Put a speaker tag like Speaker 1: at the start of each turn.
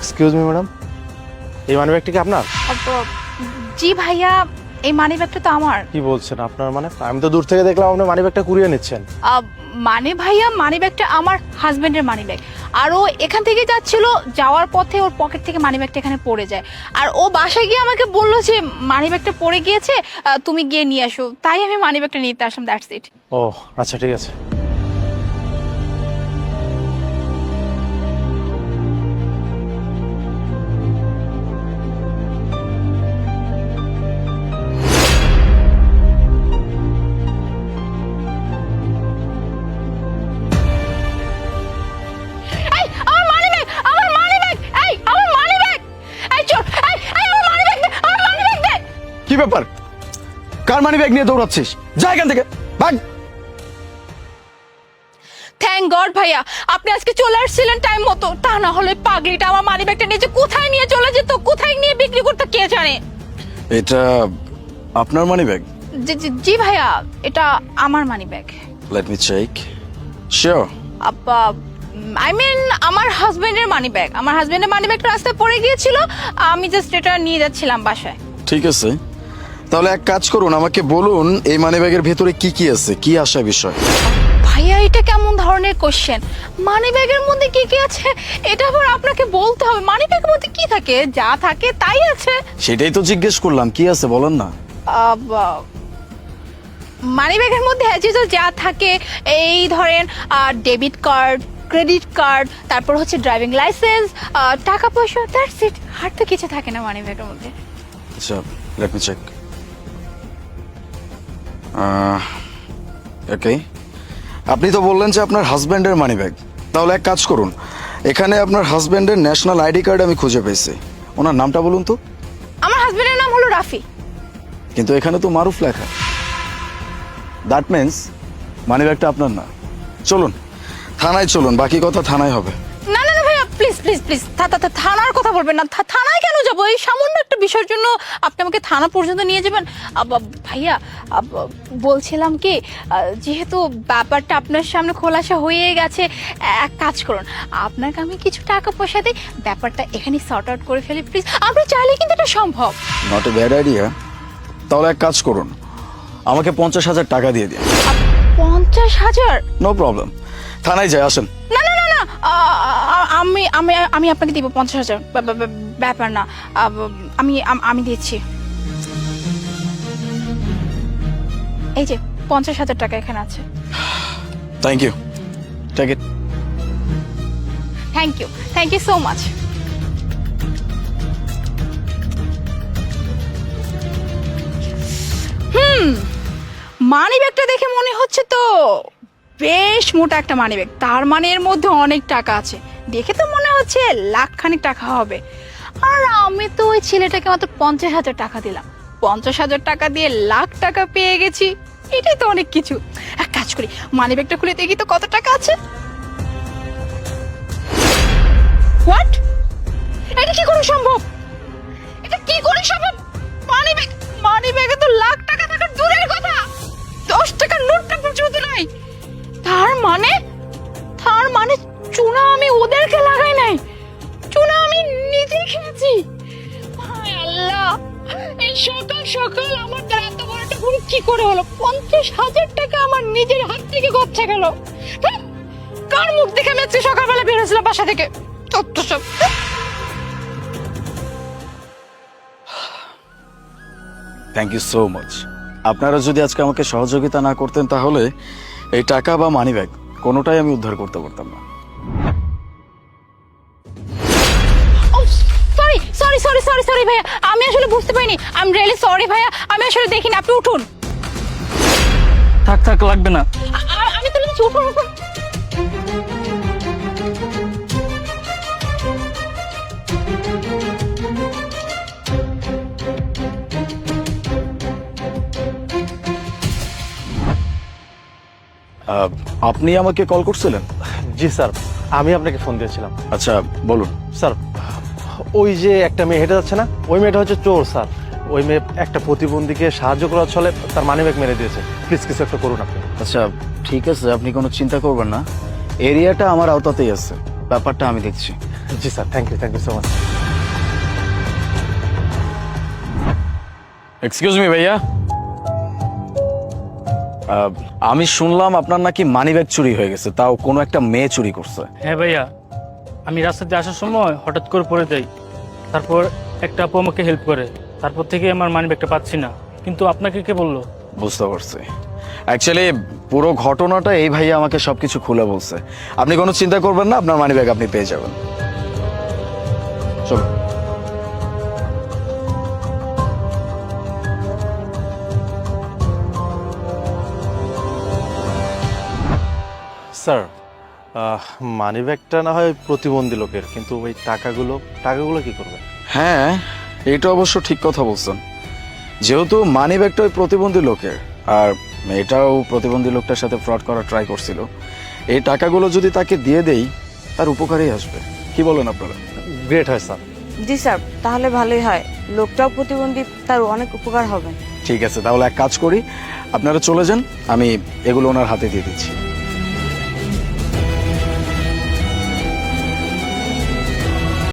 Speaker 1: Excuse me madam, এই মানি ব্যাগটা কি আপনার?
Speaker 2: জি ভাইয়া, এই মানি ব্যাগটা তো আমার।
Speaker 1: কি বলছেন আপনার? মানে আমি তো দূর থেকে দেখলাম আপনি মানি ব্যাগটা কুড়িয়ে নিচ্ছেন।
Speaker 2: মানে ভাইয়া, মানি ব্যাগটা আমার হাজবেন্ডের মানি ব্যাগ। আর ও এখান থেকে যাচ্ছিল, যাওয়ার পথে ওর পকেট থেকে মানি ব্যাগটা এখানে পড়ে যায়। আর ও বাসায় গিয়ে আমাকে বললো যে মানি ব্যাগটা পড়ে গিয়েছে, তুমি গিয়ে নিয়ে আসো। তাই আমি মানি ব্যাগটা নিতে আসলাম, দ্যাটস ইট।
Speaker 1: ও আচ্ছা, ঠিক আছে।
Speaker 2: এই আমার মানি ব্যাগ, আমার মানি ব্যাগ, এই আমার মানি ব্যাগ, এই চোর, এই আমার মানি ব্যাগ দে, আমার মানি ব্যাগ দে।
Speaker 3: কি ব্যাপার? কার মানি ব্যাগ নিয়ে দৌড়াচ্ছিস? যা এখান থেকে, ভাগ।
Speaker 2: থ্যাংক গড ভাইয়া, আপনি আজকে চলে আসছিলেন টাইম মতো। তা না হলে পাগলিটা আমার মানি ব্যাগটা নিয়ে যে কোথায় নিয়ে চলে যেত, কোথায় নিয়ে বিক্রি করতে কে জানে।
Speaker 3: এটা আপনার মানি ব্যাগ?
Speaker 2: জি ভাইয়া, এটা আমার money bag.
Speaker 3: Let me check. Sure?
Speaker 2: I mean আমার হাজবেন্ডের মানি ব্যাগ। আমার হাজবেন্ডের মানি ব্যাগটা রাস্তায় পড়ে গিয়েছিল, আমি জাস্ট এটা নিয়ে যাচ্ছিলাম বাসায়।
Speaker 3: ঠিক আছে, তাহলে এক কাজ করুন, আমাকে বলুন এই মানি ব্যাগের ভেতরে কি কি আছে, কি আসা বিষয়?
Speaker 2: ভাইয়া এটা কেমন ধরনের কোশ্চেন? মানি ব্যাগের মধ্যে কি কি আছে এটা আবার আপনাকে বলতে হবে? মানি ব্যাগের মধ্যে কি থাকে? যা থাকে তাই আছে।
Speaker 3: সেটাই তো জিজ্ঞেস করলাম, কি আছে বলেন না।
Speaker 2: মানি ব্যাগের মধ্যে অ্যাজ ইউজুয়াল যা থাকে, এই ধরেন ডেবিট কার্ড, ক্রেডিট কার্ড, তারপর হচ্ছে ড্রাইভিং লাইসেন্স, টাকা পয়সা, দ্যাটস ইট। আর তো কিছু থাকে না মানি ব্যাগের মধ্যে।
Speaker 3: আচ্ছা, লেট মি চেক। ওকে, আপনি তো বললেন যে আপনার হাজব্যান্ডের মানি ব্যাগ। তাহলে এক কাজ করুন, এখানে আপনার হাজব্যান্ডের ন্যাশনাল আইডি কার্ড আমি খুঁজে পেয়েছি। ওনার নামটা বলুন তো।
Speaker 2: আমার হাজবেন্ডের নাম হলো রাফি।
Speaker 3: কিন্তু এখানে তো মারুফ লেখা। দ্যাট মিন্স মানি ব্যাগটা আপনার না। চলুন থানায় চলুন, বাকি কথা থানায় হবে।
Speaker 2: না না না ভাইয়া, প্লিজ প্লিজ প্লিজ, থানার কথা বলবেন না। থানায় কেন যাবো? এই সামান্য একটা বিষয়ের জন্য আপনি আমাকে থানা পর্যন্ত নিয়ে যাবেন? ভাইয়া, বলছিলাম কি, যেহেতু ব্যাপারটা আপনার সামনে খোলাসা হয়ে গেছে, এক কাজ করুন, আপনাকে আমি কিছু টাকা পয়সা দিই, ব্যাপারটা এখানে সর্ট আউট করে ফেলি প্লিজ। আপনি চাইলে কিন্তু এটা সম্ভব।
Speaker 3: Not a bad idea. তাহলে এক কাজ করুন, আমাকে 50,000 টাকা দিয়ে দিন।
Speaker 2: 50,000?
Speaker 3: নো প্রবলেম, থানায় যাই, আসেন।
Speaker 2: না না না না, আমি আমি আমি আপনাকে দিব 50,000। ব্যাপার না, আমি দিচ্ছি। এই যে 50,000 টাকা এখানে আছে।
Speaker 3: Thank you, take it.
Speaker 2: Thank you so much. Money ব্যাগটা দেখে মনে হচ্ছে তো বেশ মোটা একটা মানি ব্যাগ। তার মানে এর মধ্যে অনেক টাকা আছে। দেখে তো মনে হচ্ছে লাখখানিক টাকা হবে। আর আমি তো ওই ছেলেটাকে মাত্র 50,000 টাকা দিলাম। 50,000 টাকা দিয়ে লাখ টাকা পেয়ে গেছি, এটাই তো অনেক কিছু। এক কাজ করি, মানি ব্যাগটা খুলে দেখি তো কত টাকা আছে। হোয়াট? এটা কি করে সম্ভব? এটা কি করে সম্ভব? মানি ব্যাগে তো লাখ টাকা থাকার দূরের কথা, 10 টাকার নোটটা পর্যন্ত নাই। তার মানে চুনা আমি ওদেরকে লাগাই নাই, চুনা আমি নিজে খেয়েছি। হায় আল্লাহ, এই সকাল সকাল আমার দ্বারা এত বড় একটা ভুল কি করে হলো? 50,000 টাকা আমার নিজের হাত থেকে গচ্ছা গেল। কার মুখ দেখে আমি আজকে সকালবেলা বের হয়েছিলাম বাসা থেকে? তত্ত্ব সব।
Speaker 3: Thank you so much. আপনারা যদি আজকে আমাকে সহযোগিতা না করতেন তাহলে এই টাকা বা মানি ব্যাগ কোনোটাই আমি উদ্ধার করতে পারতাম না।
Speaker 2: সরি ভাইয়া, আমি আসলে বুঝতে পারিনি। আই এম রিয়েলি সরি ভাইয়া, আমি আসলে দেখিনি। আপনি উঠুন।
Speaker 4: থাক লাগবে না।
Speaker 2: আমি তো বলেছি উঠুন।
Speaker 3: আপনি আমাকে কল করছিলেন?
Speaker 1: জি স্যার, আমি আপনাকে ফোন দিয়েছিলাম।
Speaker 3: আচ্ছা বলুন।
Speaker 1: স্যার, ওই যে একটা মেয়ে হেঁটে যাচ্ছে না, ওই মেয়েটা হচ্ছে চোর স্যার। ওই মেয়ে একটা প্রতিবন্ধীকে সাহায্য করার ছলে তার মানি ব্যাগ মেরে দিয়েছে। প্লিজ কিছু একটা করুন আপনি।
Speaker 3: আচ্ছা ঠিক আছে, আপনি কোনো চিন্তা করবেন না, এরিয়াটা আমার আওতাতেই আছে। ব্যাপারটা আমি দেখছি।
Speaker 1: জি sir, thank you so much.
Speaker 3: Excuse me ভাইয়া, আমি শুনলাম আপনার নাকি মানিব্যাগ চুরি হয়ে গেছে, তাও কোনো একটা মেয়ে চুরি করছে।
Speaker 4: হ্যাঁ ভাইয়া, আমি রাস্তা দিয়ে আসার সময় হঠাৎ করে পড়ে যাই, তারপর একটা আপু আমাকে হেল্প করে, তারপর থেকে আমার মানিব্যাগটা পাচ্ছি না। কিন্তু আপনাকে কে বললো?
Speaker 3: বুঝতে পারছি। অ্যাকচুয়ালি পুরো ঘটনাটা এই ভাইয়া আমাকে সবকিছু খুলে বলছে। আপনি কোনো চিন্তা করবেন না, আপনার মানিব্যাগ আপনি পেয়ে যাবেন। চলো।
Speaker 1: স্যার, মানি ব্যাগটা না হয় প্রতিবন্ধী লোকের, কিন্তু ওই টাকাগুলো কি করবে?
Speaker 3: হ্যাঁ, এটা অবশ্য ঠিক কথা বলছেন। যেহেতু মানি ব্যাগটা ওই প্রতিবন্ধী লোকের, আর মেয়েটাও প্রতিবন্ধী লোকটার সাথে ফ্রড করার ট্রাই করছিল, এই টাকাগুলো যদি তাকে দিয়ে দেই তার উপকারেই আসবে। কি বলেন আপনারা?
Speaker 1: গ্রেট হয় স্যার।
Speaker 5: জি স্যার, তাহলে ভালোই হয়, লোকটাও প্রতিবন্ধী, তার অনেক উপকার হবে।
Speaker 3: ঠিক আছে, তাহলে এক কাজ করি, আপনারা চলে যান, আমি এগুলো ওনার হাতে দিয়ে দিচ্ছি।